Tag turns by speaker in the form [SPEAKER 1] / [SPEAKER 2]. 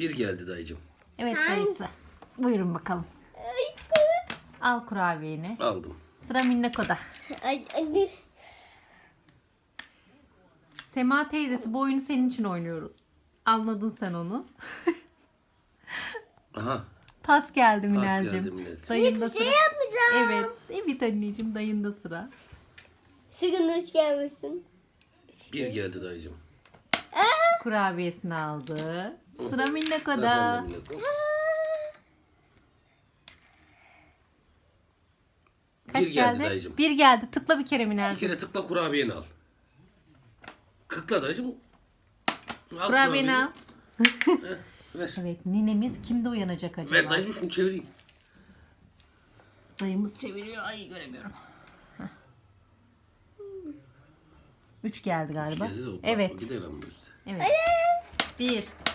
[SPEAKER 1] Bir geldi dayıcım.
[SPEAKER 2] Evet dayısı. Buyurun bakalım. Al kurabiyeni.
[SPEAKER 1] Aldım.
[SPEAKER 2] Sıra Minnako'da.
[SPEAKER 3] Ay, anne.
[SPEAKER 2] Sema teyzesi bu oyunu senin için oynuyoruz. Anladın sen onu.
[SPEAKER 1] Aha.
[SPEAKER 2] Pas geldi
[SPEAKER 1] geldi
[SPEAKER 2] Minel'cim.
[SPEAKER 1] Minel'cim.
[SPEAKER 2] Dayında
[SPEAKER 3] Hiçbir
[SPEAKER 2] sıra.
[SPEAKER 3] şey yapmayacağım.
[SPEAKER 2] Evet. Evet anneciğim dayında sıra.
[SPEAKER 3] Sigın hoş gelmesin.
[SPEAKER 1] Bir geldi dayıcım.
[SPEAKER 2] Kurabiyesini aldı. Sıra
[SPEAKER 1] Sıra
[SPEAKER 2] Minnako'da.
[SPEAKER 1] sende Mineko.
[SPEAKER 2] Kaç
[SPEAKER 1] Bir geldi dayıcım.
[SPEAKER 2] Bir geldi. Tıkla bir kere
[SPEAKER 1] Bir
[SPEAKER 2] Minel'cim.
[SPEAKER 1] kere tıkla kurabiyeni al. Kıkla dayıcım. Al
[SPEAKER 2] Kurabiyeni al.
[SPEAKER 1] Ver.
[SPEAKER 2] Evet ninemiz kimde uyanacak acaba?
[SPEAKER 1] Ver dayıcım şunu çevireyim.
[SPEAKER 2] Dayımız çeviriyor. Ay göremiyorum. 3 geldi galiba.
[SPEAKER 1] Geldi de o
[SPEAKER 2] Evet.
[SPEAKER 1] gidelim bu işte.
[SPEAKER 2] Evet. 1